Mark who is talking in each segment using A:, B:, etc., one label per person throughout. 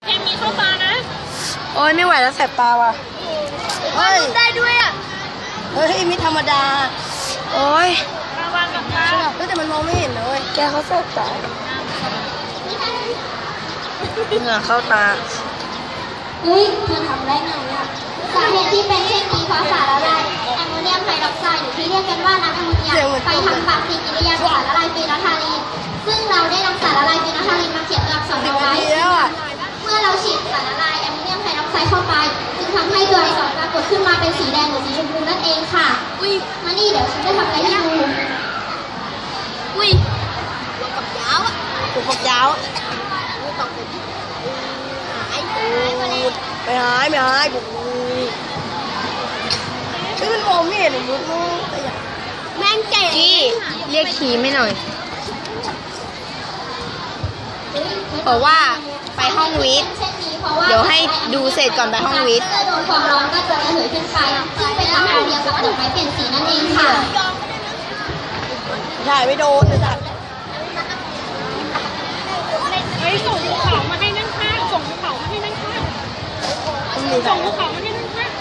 A: มีเข้าตานะ
B: โอ้ยไม่ไหวแล้วแสบตาว่ะ
A: เฮ้ยได้ด้วยอ่ะ
B: เฮ้ยไม่ธรรมดาโอ้ย
A: ระวังกับตา
B: แต่มันมองไม่เห็นเลยแกเขาแสบตาเหงื่อเข้าตา
C: เฮ้ยเธอทำได้ไงอ่ะสาเหตุที่เป็นเช่นนี้เพราะสารละลายแอมโมเนียมไฮดรอกไซด์หรือที่เรียกกันว่าน้ำแอมโมเนียไปทำปฏิกิริยากับสารละลายฟีนอลทาลีนซึ่งเราได้นำสารละลายฟีนอลทาลีนมาเขียนตัวอักษรเอาไว้เมื่อเราฉีดสารละลายแอมโมเนียมไฮดรอกไซด์เข้าไปจึงทำให้ตัวอักษรปรากฏขึ้นมาเป็นสีแดงหรือสีชมพูนั่นเองค่ะมานี่เดี๋ยวฉันจะทำอะไรให้ดู
A: หัวกับยาวอ่ะ
B: หัวกับยาวไม่หายบุกมันมองไม่เห็นมุดนู้น
A: แม่งเจ๋ง
B: เรียกขี่ไม่หน่อยบอกว่าไปห้องวิทย์เดี๋ยวให้ดูเสร็จก่อนไปห้องวิทย์
C: โดนความร้อนก็จะระเหยขึ้นไปซึ่งเป็นน้ำเดียวกับดอกไม้เปลี่ยนสีนั่นเองค่ะ
B: ถ่ายไม่โดนเลยจ้ะ
A: ส่งภูเขามาให้นั่งข้างส่งภูเขามาให้นั่งข้างส่งภูเขามาให้นั่งข้าง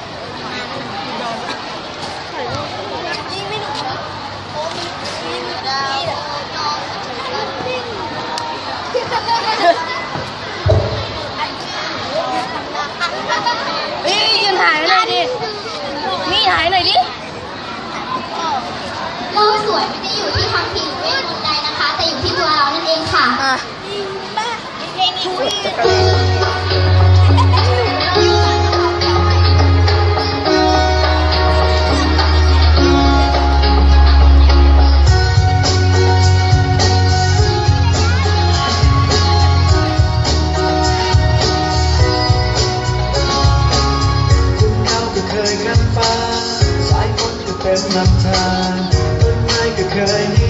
B: ยิงไม่หนุกนะเฮ้ยยืนถ่ายหน่อยดินี่ถ่ายหน่อยดิ
C: โลกสวยไม่ได้อยู่ที่ทำผิวเวทมนต์ใดนะคะแต่อยู่ที่ตัวเรานั่นเองค่ะ
D: เคยกันฟ้าสายฝนก็เป็นลำธารต้นไม้ก็เคย